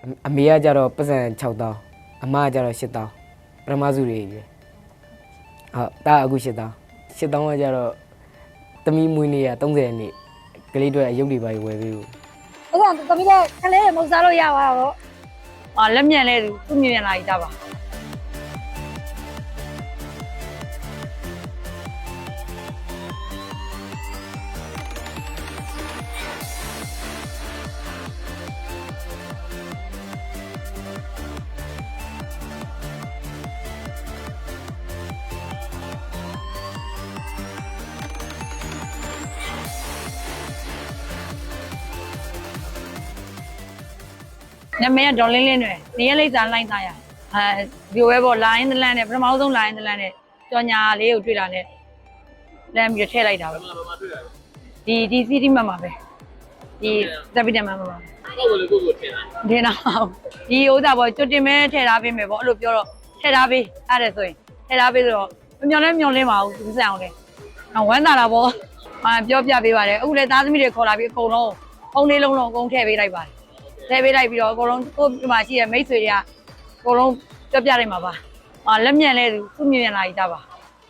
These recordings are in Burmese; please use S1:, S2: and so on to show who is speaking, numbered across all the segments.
S1: အမေကကြတော့ပတ်စံ6တောင်းအမကကြတော့8တောင်းပထမစုတွေကြီးဟုတ်တာအခု8တောင်း8တောင်းကကြတော့သမီးမွေးနေ့က30ရက်နေ့ကလေးတွေအရုပ်တွေပါဝယ်ပေးဘူး
S2: အဲ့ဒါသမီးလည်းခလေးမဟုတ်စားလို့ရပါတော့
S3: လက်မြန်လဲသူမြင်လာကြပါနမရဒေါ်လင်းလင်းတွေနေရလိမ့်စာလိုက်သားရဒီဝဲပေါ်လိုင်းတလန်းနဲ့ပထမဆုံးလိုင်းတလန်းနဲ့ကြော်ညာလေးကိုတွေ့တာနဲ့လမ်းပြီးထည့်လိုက်တာပဲဒီစီတီမှာပဲဒီသပိတမမှာပါဟုတ်လို့ကိုထည့်တာထည့်တာဒီဥစ္စာပေါ်ကျွတ်တင်မဲထည့်ထားပေးမယ်ပေါ့အဲ့လိုပြောတော့ထည့်ထားပေးအဲ့ဒါဆိုရင်ထည့်ထားပေးဆိုတော့မျောလင်းပါဘူးသူစံအောင်လေဝမ်းသာတာပေါ့ပြောပြပေးပါတယ်အခုလည်းသားသမီးတွေခေါ်လာပြီးအကုန်လုံးအုံလေးလုံးလုံးအကုန်ထည့်ပေးလိုက်ပါတယ်ထည့်ပေးလိုက်ပြီးတော့အကုန်လုံးကိုဒီမှာရှိတဲ့မိတ်ဆွေတွေကအကုန်လုံးပြောပြလိုက်မှာပါလက်မြန်လဲသူမြင်လာကြပါ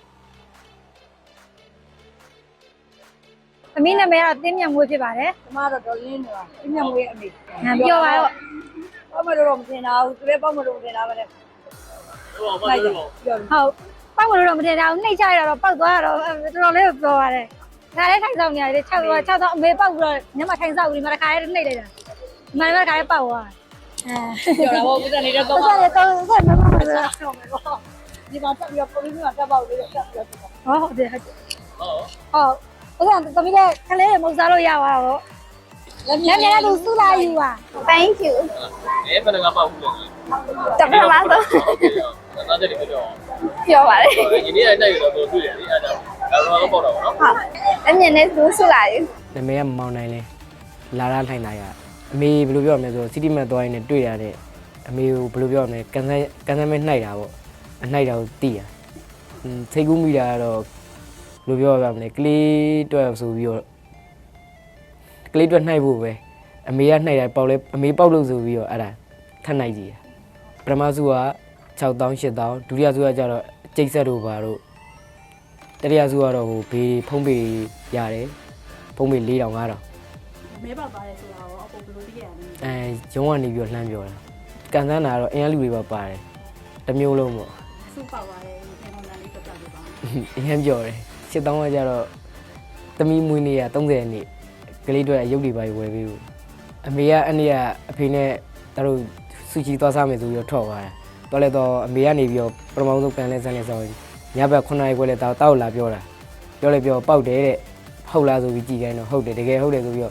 S2: သမီးနာမည်ကတော့တင်းမြတ်မွေးဖြစ်ပါတယ်
S3: ကျမတော့ဒေါ်လင်းနေတာပြင်းပြမွေးအမေ
S2: ပြောပါတော့
S3: ပေါ့မလို့မတင်တာဘူးသူလည်းပေါ့မလို့တင်တာပဲလေဟုတ်ပါဘူးပြောလို့
S2: ဟုတ်ပောက်မလို့တော့မထင်တာဘူးနှိတ်ချရတော့ပောက်သွားတော့တော်တော်လေးပြောပါတယ်ဒါလည်းထိုင်ဆောင်နေရတယ်6တော့အမေပောက်ပြီးတော့ညမထိုင်ဆောင်ပြီးမှတစ်ခါလေးနှိတ်လိုက်တာမနက်တစ်ခါလေးပောက်သွား
S3: ပြောတာပေါ့ဦးဇန်နေတဲ့တော့
S2: ဟုတ်တယ်တော့ဆက်မမမဆို
S3: ဒီမှာတက်ပြီးတော့ပုံပြီးမှတက်ပေါက်လေးတက်ပြီးတော့
S2: ဟုတ်တယ်ဟုတ်အဲ့ဒါသမီးလည်းခလေးမဟုတ်စားလို့ရပါတော့လက်မြန်လည်းသူစုလာယူပါ
S4: Thank you
S5: ဘယ်နှကပေါက်ဘူးလဲ
S4: တပည့်မဆို
S5: သားချက်တွေပြော
S4: ပြောပါလေ
S5: ဒီနေ့တိုက်ရတော့တွေ့တယ်လေအဲ့ဒါတော့ပေါက်တော့ဗောနော်
S4: ဟုတ်အမြင်နဲ့သူဆူလာယူ
S1: နာမည်ကမမောင်နိုင်လဲလာရထိုင်လာရအမေဘယ်လိုပြောရမလဲဆိုစီတီမတ်သွားရင်းနဲ့တွေ့ရတဲ့အမေကိုဘယ်လိုပြောရမလဲကန်ဆယ်မဲနှိုက်တာပေါ့အနှိုက်တာကိုတီးရစိတ်ကူးမိတာကတော့ဘယ်လိုပြောရမလဲကလေးတွက်ဆိုပြီးတော့ကလေးတွက်နှိုက်ဖို့ပဲအမေကနှိုက်တာပေါက်လဲအမေပေါက်လို့ဆိုပြီးတော့အဲ့ဒါထပ်နှိုက်ကြည့်ရပထမစုက6တောင်း8တောင်းဒုတိယစုကကျတော့ကျိတ်ဆက်တို့ပါတို့တတိယစုကတော့ဟိုဘေးဖုံးပေရတယ်ဖုံးပေ4000 5000
S3: မဲပေါက်သွားတယ်ဆိုတာရောအကုန်ဘယ်လိုသိရလဲ
S1: ရုံးကနေပြီးတော့လှမ်းပြောတာကန်ဆန်းတာကတော့အင်အားလူတွေပါပါတယ်တစ်မျိုးလုံးပေါ့
S3: စုပေါက်သွားတယ်ဒီပုံစံလေးပြပြပေးပါ
S1: အရင်ပြောတယ်8000ကကျတော့သမီးမွေးနေ့က30ရက်နေ့ကလေးတွေအရုပ်တွေပါဝယ်ပေးဘူးအမေကအနေ့ကအဖေနဲ့တို့ဆူချီသွားစားမယ်ဆိုပြီးတော့ထွက်သွားတယ်တော်လဲတော့အမေကနေပြီးတော့ပထမဆုံးကန်လဲဆန်းလဲဆောင်းညဘက်9နာရီခွဲလဲတောက်လာပြောတာပြောလဲပြောပေါက်တယ်တဲ့ဟုတ်လားဆိုပြီးကြည်ခိုင်းတော့ဟုတ်တယ်တကယ်ဟုတ်တယ်ဆိုပြီးတော့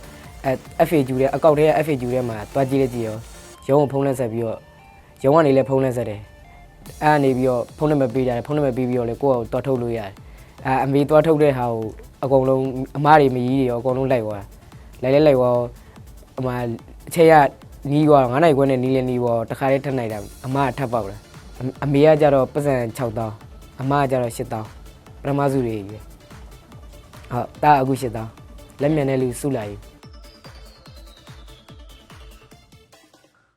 S1: FAQ တဲ့အကောက်ထဲက FAQ ထဲမှာတွားကြည့်လိုက်ကြည့်ရောရုံးကိုဖုန်းလက်ဆက်ပြီးတော့ရုံးကနေလည်းဖုန်းလက်ဆက်တယ်အဲ့ကနေပြီးတော့ဖုန်းနံပါတ်ပေးကြတယ်ဖုန်းနံပါတ်ပေးပြီးတော့လေကိုယ့်ကိုတွားထုတ်လို့ရတယ်အမေတွားထုတ်တဲ့ဟာကိုအကုန်လုံးအမားတွေမကြီးတွေရောအကုန်လုံးလိုက်သွားလိုက်သွားအမအချက်ရနီးသွား9နိုင်ခွဲနဲ့နီးလဲနီးပေါ်တခါလေးထပ်နိုင်တာအမကထပ်ပေါက်လာအမေကကြတော့ပတ်စံ6တောင်းအမကကြတော့8တောင်းပထမစုတွေကြီးဟုတ်တာအခု8တောင်းလက်မြန်တဲ့လူစုလာယူ